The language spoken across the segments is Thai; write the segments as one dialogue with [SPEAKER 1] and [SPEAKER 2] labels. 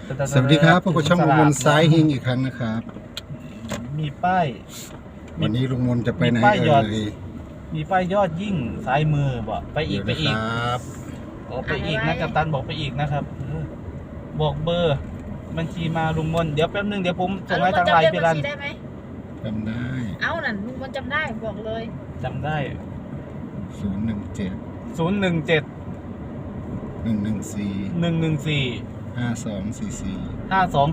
[SPEAKER 1] สวัสดีครับพบกับช่องลุงมนซ้ายเฮงอีกครั้งนะครับ
[SPEAKER 2] มีป้าย
[SPEAKER 1] วันนี้ลุงมนจะไปไหน
[SPEAKER 2] มีป้ายยอดยิ่งซ้ายมือบอกไปอีกไปอีก
[SPEAKER 1] ครับ
[SPEAKER 2] ไปอีกนะกัปตันบอกไปอีกนะครับบอกเบอร์บัญชีมาลุงมนเดี๋ยวแป๊บนึงเดี๋ยวผมส่งให้ทางไลน์พี่รัน
[SPEAKER 1] จำได้
[SPEAKER 3] เอานั่นลุงมนจำได้บอกเลย
[SPEAKER 2] จำได้
[SPEAKER 1] 017
[SPEAKER 2] 114
[SPEAKER 1] 5244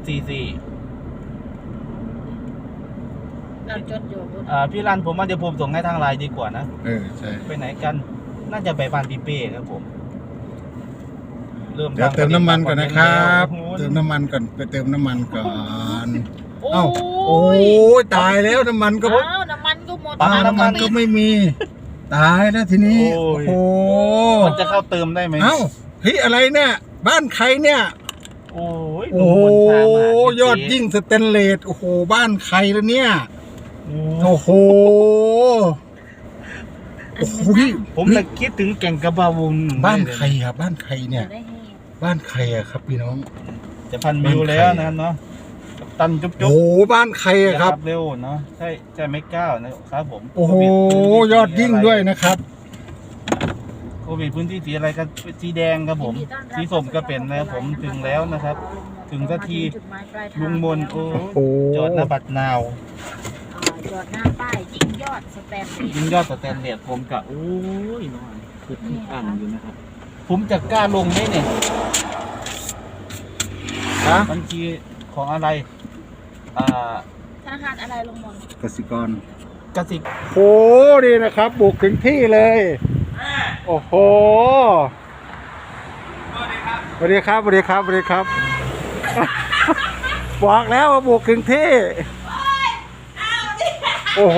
[SPEAKER 3] เราจดอยู่
[SPEAKER 2] พี่รันผมว่าเดี๋ยวผมส่งให้ทางไลน์ดีกว่านะ
[SPEAKER 1] ใช่
[SPEAKER 2] ไปไหนกันน่าจะไปบ้านพี่เป้ครับผม
[SPEAKER 1] เดี๋ยวเติมน้ำมันก่อนนะครับเติมน้ำมันก่อนไปเติมน้ำมันก่อนเอ้าโอ้ยตายแล้วน้ำมันก็
[SPEAKER 3] หมดน้ำมัน
[SPEAKER 1] ก็ไม่มีตายแล้วทีนี้โอ้โห
[SPEAKER 2] มันจะเข้าเติมได้ไหม
[SPEAKER 1] เอ้าเฮ้ยอะไรเนี่ยบ้านใครเนี่ย
[SPEAKER 2] โอ้
[SPEAKER 1] ยอดยิ่งสแตนเลสโอ้โหบ้านใครแล้วเนี่ยโอ้โห
[SPEAKER 2] ผมเลยคิดถึงแก่งกระบาวง
[SPEAKER 1] บ้านใครครับบ้านใครเนี่ยบ้านใครอะครับพี่น้อง
[SPEAKER 2] จะพันวิวแล้วนะเนาะตันจุ๊บ
[SPEAKER 1] โอ้บ้านใครอะครับ
[SPEAKER 2] เร็วเนาะใช่ไม่ก้าวนะครับผม
[SPEAKER 1] โอ้โหยอดยิ่งด้วยนะครับ
[SPEAKER 2] โควิดพื้นที่สีอะไรกันสีแดงครับผมสีส้มก็เป็นแล้วผมถึงแล้วนะครับถึงสักทีลุงมนโอ้จอดหน้าบัตรนาว
[SPEAKER 3] จอดหน้าป้ายยิงยอดสแตน
[SPEAKER 2] เลสผมกะโอ้ยน้อยคืออ่านอยู่นะครับผมจะกล้าลงไหมเนี่ยบัญชีของอะไร
[SPEAKER 3] ธนาคารอะไรลงมน
[SPEAKER 1] กสิกรโหดีนะครับบุกถึงที่เลยโอ้โหสวัสดีครับบอกแล้วว่าบุกถึงที่โอ้โห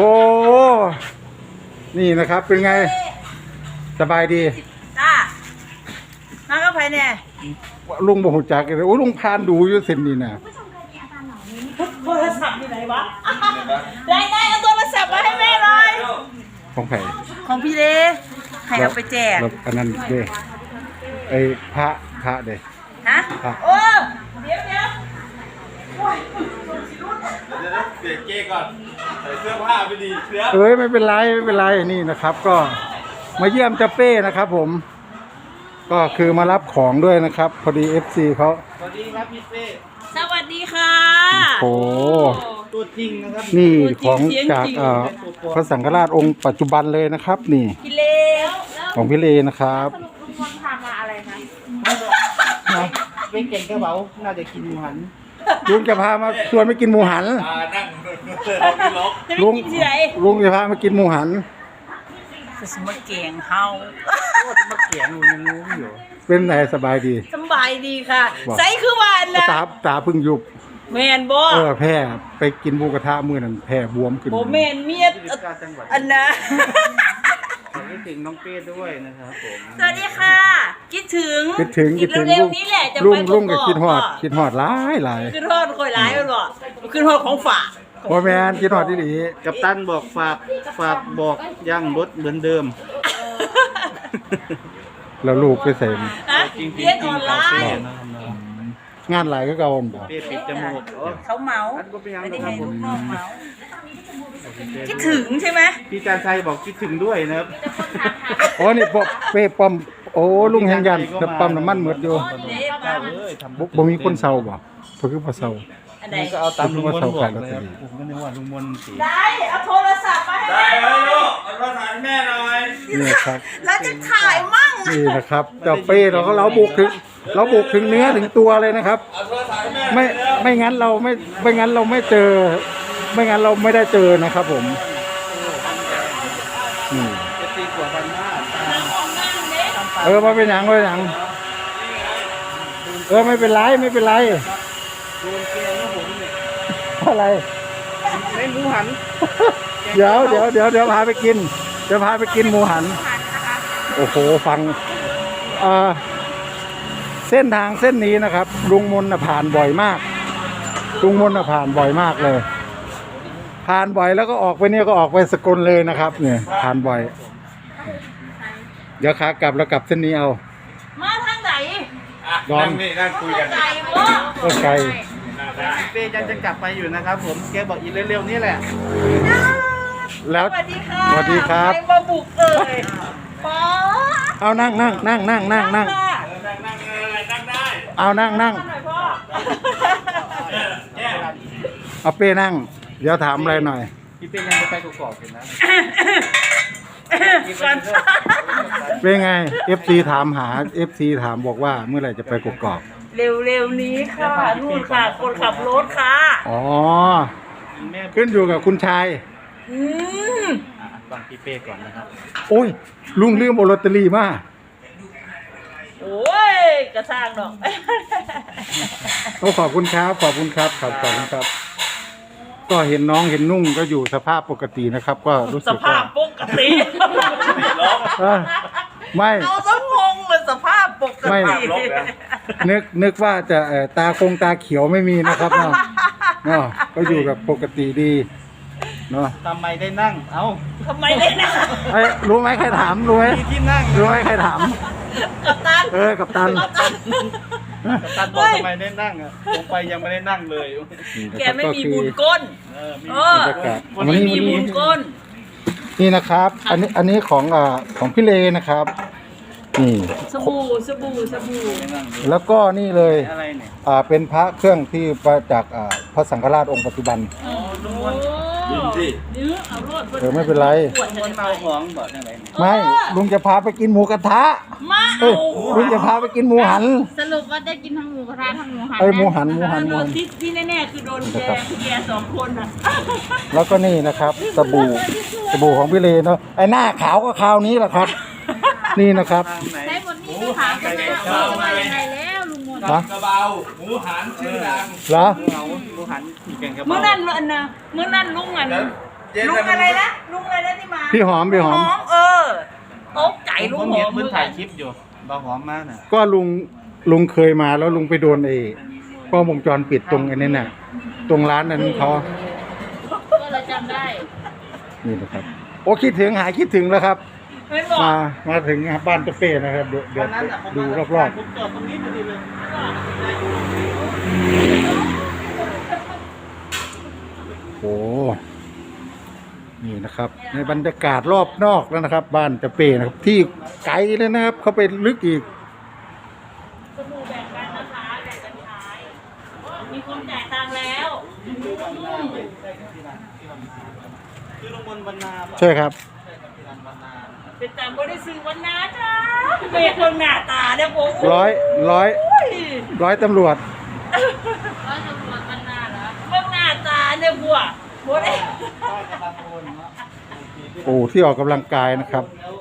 [SPEAKER 1] นี่นะครับเป็นไงสบายดี
[SPEAKER 3] จ้ามาก็ไปเนี่ย
[SPEAKER 1] ลุงบอกหุ่นจักเลยโอ้ลุงพานดูอยู่เส้นนี้นะ
[SPEAKER 3] โทรศัพท์อยู่ไหนวะได้เอาโทรศัพท์มาให้แม่เลย
[SPEAKER 1] ของใคร
[SPEAKER 3] ของพี่เด้ใครเอาไปแจก
[SPEAKER 1] อันนั้นเด้ไอ้พระเด้
[SPEAKER 3] ฮะโอ้เดี๋ยว
[SPEAKER 2] เดี๋ยวเจ๊ก่อนใส่เสื้อผ้าไปดี
[SPEAKER 1] ไม่เป็นไรนี่นะครับก็มาเยี่ยมเจ้าเป้นะครับผมก็คือมารับของด้วยนะครับพอดี FC เขา
[SPEAKER 2] สวัสดีครับพี่เป้
[SPEAKER 3] สวัสดีค่ะ
[SPEAKER 1] โอ้
[SPEAKER 2] ตัวจริงนะครับ
[SPEAKER 1] นี่ของจากพระสังฆราชองค์ปัจจุบันเลยนะครับนี่
[SPEAKER 3] พี่เล
[SPEAKER 1] ของพี่เลนะครับ
[SPEAKER 3] ลุงมนพามาอะไร
[SPEAKER 2] คะเป็นเก่งกระเป๋าน่าจะกินหมูหัน
[SPEAKER 1] ลุงจะพามาชวนไปกินหมูหัน
[SPEAKER 3] ลุง
[SPEAKER 1] จะพามากินหมูหัน
[SPEAKER 3] สมเก่งเฮา
[SPEAKER 2] มาเก่งยังงูอยู่
[SPEAKER 1] เป็นไงสบายดี
[SPEAKER 3] ค่ะใส่คือวันนะ
[SPEAKER 1] ตาพึ่งยุบ
[SPEAKER 3] แมนบ่
[SPEAKER 1] แพ้ไปกินหมูกระทะมื้อนั้นแพ้บวมขึ้น
[SPEAKER 3] โบแมนเมียอันนะ
[SPEAKER 2] คิดถึงน้องเป้ด้วยนะครับผม
[SPEAKER 3] สวัสดีค่ะคิดถึง
[SPEAKER 1] เร็วนี้แหละจะไปลุงก็คิดฮอดหลาย
[SPEAKER 3] คิดฮอดค่อยหลายบ่คิดฮอดของฝาก
[SPEAKER 1] บ่แม่นคิดฮอดดี
[SPEAKER 2] ๆกัปตันบอกฝากบอกย่างรถเหมือนเดิม
[SPEAKER 1] แล้วลูกไปใส่
[SPEAKER 3] เรียนออนไลน์
[SPEAKER 1] งานหลายก็เก่าบ่
[SPEAKER 2] ปิดจมูก
[SPEAKER 3] เขาเมาไม่ได้ให้ลูกพ่อเมาคิดถึงใช่ไหม
[SPEAKER 2] พี่การชัยบอกคิดถึงด้วยนะครับ
[SPEAKER 1] นี่เป้ปั๊มลุงแห่งยันปั๊มน้ำมันหมดอยู่บ่มีคนเซาบ่เพิ่นคือบ่เซา
[SPEAKER 2] ก็เอาตามลุงมนบอกเลยครับผมก็นึกว่าลุงมนสิ
[SPEAKER 3] ได้เอาโทรศัพท์มาให้
[SPEAKER 2] ได้เลยลูกเอาโทรศัพท์ให้แม่หน่อย
[SPEAKER 1] นี่ครับ
[SPEAKER 3] แล้วจะถ่ายมั่ง
[SPEAKER 1] นี่นะครับเจ้าเป้เราบุกถึงเนื้อถึงตัวเลยนะครับไม่งั้นเราไม่เจอไม่งั้นเราไม่ได้เจอนะครับผม
[SPEAKER 2] จะตีกว่าพันห้า
[SPEAKER 1] มาเป็นหยังไม่เป็นไรอะไร
[SPEAKER 2] ไม่หมูหัน
[SPEAKER 1] เดี๋ยวพาไปกินหมูหันโอ้โหฟังเส้นทางเส้นนี้นะครับลุงมนผ่านบ่อยมากเลยผ่านบ่อยแล้วก็ออกไปเนี่ยก็ออกไปสกลเลยนะครับเนี่ยผ่านบ่อยเดี๋ยวขากลับแล้วกลับเส้นนี้เอา
[SPEAKER 3] มาทางไหน
[SPEAKER 2] นั่งคุยกัน
[SPEAKER 1] ก็ไกล
[SPEAKER 2] พี่เป้ยังจะกลับไปอยู่นะครับผมแกบอกอีกเร็วๆนี่แหละ
[SPEAKER 1] แล้ว
[SPEAKER 3] สวัสดีค่ะ
[SPEAKER 1] สวัสดีครับ
[SPEAKER 3] ใครมาบุกเอ่ยป๊า
[SPEAKER 1] เอานั่งเอานั่ง
[SPEAKER 3] หน่อยพ่อ
[SPEAKER 1] เอาเป้นั่ง เดี๋ยวถามอะไรหน่อย
[SPEAKER 2] พี่เป้ยังจะไปกอกๆอยู่นะ
[SPEAKER 3] ก่อน
[SPEAKER 1] เป็นไง FC ถามหา FC ถามบอกว่าเมื่อไหร่จะไปกกอก
[SPEAKER 3] เร็วๆนี้ค่ะนู่นค่ะ คนขับรถค่ะ
[SPEAKER 1] อ๋อ
[SPEAKER 2] แม่
[SPEAKER 1] ขึ้นอยู่กับคุณชาย
[SPEAKER 3] อืม
[SPEAKER 2] ฟังพี่เป้ก่อนนะครับ
[SPEAKER 1] โอ้ย ลุงลืมเอาลอตเตอรี่มา
[SPEAKER 3] โอ้ยกระช่างดอก
[SPEAKER 1] โอ้ขอบคุณครับขอบคุณครับขอบคุณครับ ก็เห็นน้องเห็นนุ่งก็อยู่สภาพปกตินะครับ ก็รู้
[SPEAKER 3] ส
[SPEAKER 1] สึก
[SPEAKER 3] ภา
[SPEAKER 1] ว่า
[SPEAKER 3] พปกติ
[SPEAKER 1] เออไม่
[SPEAKER 3] เอาสมงเลยสภาพปก
[SPEAKER 1] ไม่
[SPEAKER 3] ติ
[SPEAKER 1] นึกว่าจะตาคงตาเขียวไม่มีนะครับเนาะเนาะก็อยู่แบบปกติดีเนาะ
[SPEAKER 2] ทำไมได้นั่ง เอ้า
[SPEAKER 3] ทำไมได้นะ
[SPEAKER 1] เอ้ยรู้ไหมใครถามรู้ไหม
[SPEAKER 2] มีที่นั่ง
[SPEAKER 1] รู้ไหมใครถาม
[SPEAKER 3] กัปตัน
[SPEAKER 1] กับตัน
[SPEAKER 2] กัปตันบอกทำไมได้นั่งอ่ะลงไปยังไม่ได้นั่งเลย
[SPEAKER 3] แกไม่มีบุญก้น
[SPEAKER 2] มี
[SPEAKER 3] เออบ
[SPEAKER 1] รรยากาศ
[SPEAKER 3] ไม่มีบุญก้น
[SPEAKER 1] นี่นะครับ อันนี้ของพี่เลนะครับ นี่
[SPEAKER 3] สบู่
[SPEAKER 2] ไม่นั่งเลย
[SPEAKER 1] แล้วก็นี่เลย
[SPEAKER 2] อะไรเนี่ย
[SPEAKER 1] เป็นพระเครื่องที่มาจากพระสังฆราชองค์ปัจจุบัน
[SPEAKER 3] โอ้ยื้อเอารวด
[SPEAKER 1] ไม่เป็นไร
[SPEAKER 3] ปวด
[SPEAKER 2] คนเมาของบอกอะไรเนี่ย
[SPEAKER 1] ไม่ลุงจะพาไปกินหมูกระทะ
[SPEAKER 3] มา
[SPEAKER 1] เอ้ยลุงจะพาไปกินหมูหัน
[SPEAKER 4] สรุปว่าได้กินทั้งหมูกระทะทั้งหมูหัน
[SPEAKER 1] เอ้ยหมู
[SPEAKER 4] นะ
[SPEAKER 1] หัน
[SPEAKER 3] โดนที่แน่ๆคือโดนแกสองคนอ่ะ
[SPEAKER 1] แล้วก็นี่นะครับสบู่ของพี่เลเนาะไอ้หน้าขาวก็คราวนี้แหละครับ นี่นะครับ
[SPEAKER 2] ทางไหน
[SPEAKER 4] ใช้บทนี้ก็ถามกันแล้วจะมายังไงแล้วลุงมนต์
[SPEAKER 1] ฮะ
[SPEAKER 5] กระเบาหมูหันชื่อดัง
[SPEAKER 1] เหรอ
[SPEAKER 2] เงาลูกหันเก่งกับ
[SPEAKER 3] เมื่อนั้นอันนะเมื่อนั้นลุงอันลุงอะไรนะลุงอะไรนะที่มา
[SPEAKER 1] พี่หอม
[SPEAKER 3] โต๊ะไก่ลุ
[SPEAKER 2] ผ
[SPEAKER 3] ง
[SPEAKER 2] ม
[SPEAKER 3] ห
[SPEAKER 2] เห็
[SPEAKER 3] อน ม
[SPEAKER 2] เพิ่งถ่ายคลิปอยู่บาหอมมากน่ะ
[SPEAKER 1] ก็ลุงเคยมาแล้วลุงไปโดนกล้องวงจรปิดตรงไอ้นั่นน่ะตรงร้านนั้นเขา
[SPEAKER 4] ก็เลยจำได้
[SPEAKER 1] นี่นะครับโอ้คิดถึงแล้วครับ
[SPEAKER 3] เห็นบอก
[SPEAKER 1] มาถึงบ้านเจ้าเป้นะครับเดี๋ยว
[SPEAKER 2] วันนั้นน่ะผม
[SPEAKER 1] ดู
[SPEAKER 2] มาร
[SPEAKER 1] อบ
[SPEAKER 2] ผมจอดตรงนี้พอดีเลย
[SPEAKER 1] ๆโอ้นี่นะครับ ในบรรยากาศรอบนอกแล้วนะครับ บ้านเจ้าเป้นะครับ ที่ไกลเลยนะครับ เขาไปลึกอีก
[SPEAKER 3] สบู่แบ่งกันนะคะแบ่งกันใช้มีคนจ่ายตังค์แล้ว
[SPEAKER 2] คือลงบนบรรณา
[SPEAKER 1] ใช่ครับ
[SPEAKER 3] เป็นแต่ไม่ได้ซื้อวันนาจ้าเป็นคนหน้าตาเนี่ยผม
[SPEAKER 1] ร้อยตำรวจ
[SPEAKER 4] ร้อยตำรวจมันน่าเหรอ
[SPEAKER 3] เบิ่งหน้าตาเนี่ยบัวบัวได้
[SPEAKER 1] โอ้ที่ออกกำลังกายนะครับ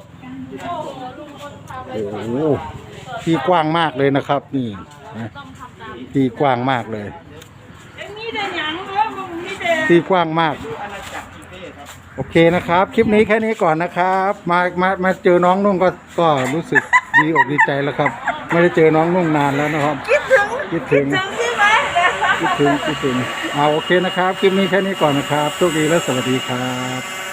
[SPEAKER 1] โอ้โหที่กว้างมากเลยนะครับ นี่นะที่กว้างมากเลย
[SPEAKER 3] ไอ้นี่เดินหยังเนาะมึงนี่เดิน
[SPEAKER 1] ที่กว้างมาก โอเคนะครับ คลิปนี้แค่นี้ก่อนนะครับ มาเจอน้องนุ่งก็รู้สึกดีอกดีใจแล้วครับ ไม่ได้เจอน้องนุ่งนานแล้วนะครับ
[SPEAKER 3] คิดถึง
[SPEAKER 1] คิดถึง
[SPEAKER 3] ใช่ไหม
[SPEAKER 1] คิดถึงเอาโอเคนะครับ คลิปนี้แค่นี้ก่อนนะครับโชคดีและสวัสดีครับ